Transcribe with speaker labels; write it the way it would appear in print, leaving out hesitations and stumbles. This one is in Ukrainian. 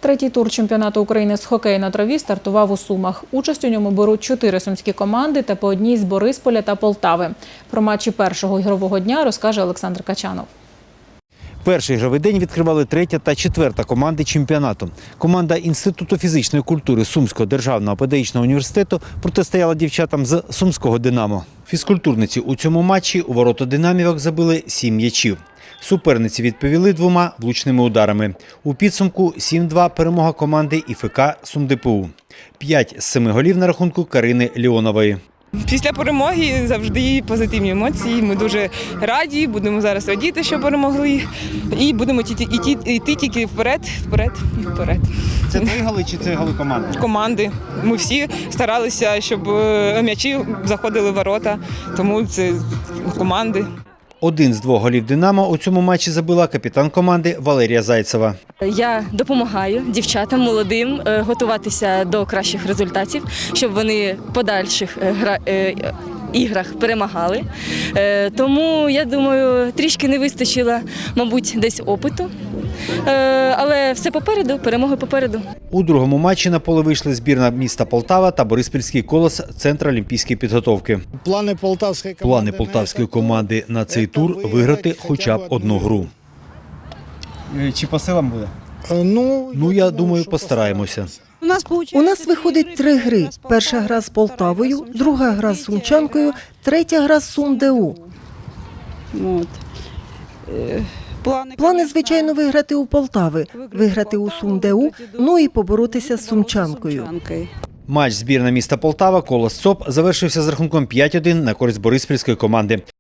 Speaker 1: Третій тур чемпіонату України з хокею на траві стартував у Сумах. Участь у ньому беруть 4 сумські команди та по одній з Борисполя та Полтави. Про матчі першого ігрового дня розкаже Олександр Качанов.
Speaker 2: Перший ігровий день відкривали 3-та та 4-та команди чемпіонату. Команда Інституту фізичної культури Сумського державного педагогічного університету протистояла дівчатам з Сумського «Динамо». Фізкультурниці у цьому матчі у ворота «Динамівок» забили 7 м'ячів. Суперниці відповіли 2 влучними ударами. У підсумку 7-2 перемога команди ІФК «СумДПУ». 5 з 7 голів на рахунку Карини Леонової.
Speaker 3: Після перемоги завжди позитивні емоції. Ми дуже раді, будемо зараз радіти, що перемогли. І будемо йти тільки вперед, вперед і вперед.
Speaker 2: Це 3 голи чи це голи команди?
Speaker 3: Команди. Ми всі старалися, щоб м'ячі заходили в ворота, тому це команди.
Speaker 2: Один з 2 голів «Динамо» у цьому матчі забила капітан команди Валерія Зайцева.
Speaker 4: Я допомагаю дівчатам молодим готуватися до кращих результатів, щоб вони в подальших іграх перемагали. Тому, я думаю, трішки не вистачило, мабуть, десь опиту. Але все попереду, перемоги попереду.
Speaker 2: У другому матчі на поле вийшли збірна міста Полтава та Бориспільський «Колос» Центр олімпійської підготовки. Плани полтавської команди на цей тур – виграти хоча б одну гру. Чи по силам буде? Ну, я думаю, постараємося.
Speaker 5: У нас виходить 3 гри. Перша гра з Полтавою, друга гра з Сумчанкою, третя гра з СумДУ. Плани, звичайно, виграти у Полтави, виграти у СумДУ, ну і поборотися з Сумчанкою.
Speaker 2: Матч збірна міста Полтава «Колос ЦОП» завершився з рахунком 5-1 на користь бориспільської команди.